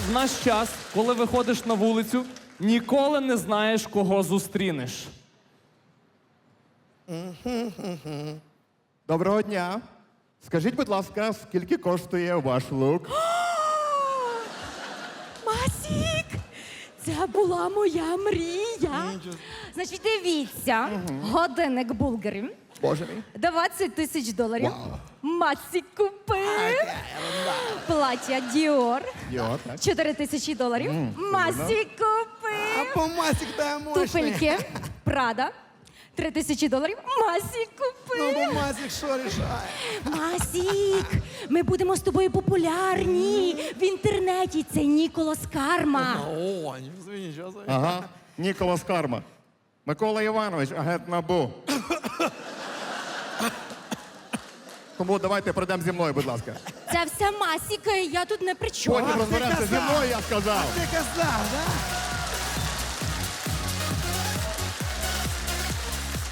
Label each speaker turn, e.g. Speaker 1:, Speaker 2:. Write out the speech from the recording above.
Speaker 1: в наш час, коли виходиш на вулицю, ніколи не знаєш, кого зустрінеш.
Speaker 2: Доброго дня. Скажіть, будь ласка, скільки коштує ваш лук?
Speaker 3: Масік! Це була моя мрія. Значить, дивіться, годинник Булгарі.
Speaker 2: Боже мій.
Speaker 3: 20 тисяч доларів. Масік купив. Плаття Діор.
Speaker 2: Йо, так.
Speaker 3: 4 тисячі доларів. Масік купив.
Speaker 4: По Масік та мощний.
Speaker 3: Туфельки. Прада. 3 тисячі доларів. Масік купив.
Speaker 4: Ну, бо Масік що рішає?
Speaker 3: Масік, ми будемо з тобою популярні в інтернеті. Це Ніколас Карма.
Speaker 4: О, нічого собі.
Speaker 2: Ага. Ніколас Карма. Микола Іванович, агент НАБУ. Тому давайте пройдемо зі мною, будь ласка.
Speaker 3: Це все Масік, я тут не при чому.
Speaker 2: Потім розберемося зі мною, я сказав.
Speaker 4: Ти казав, да?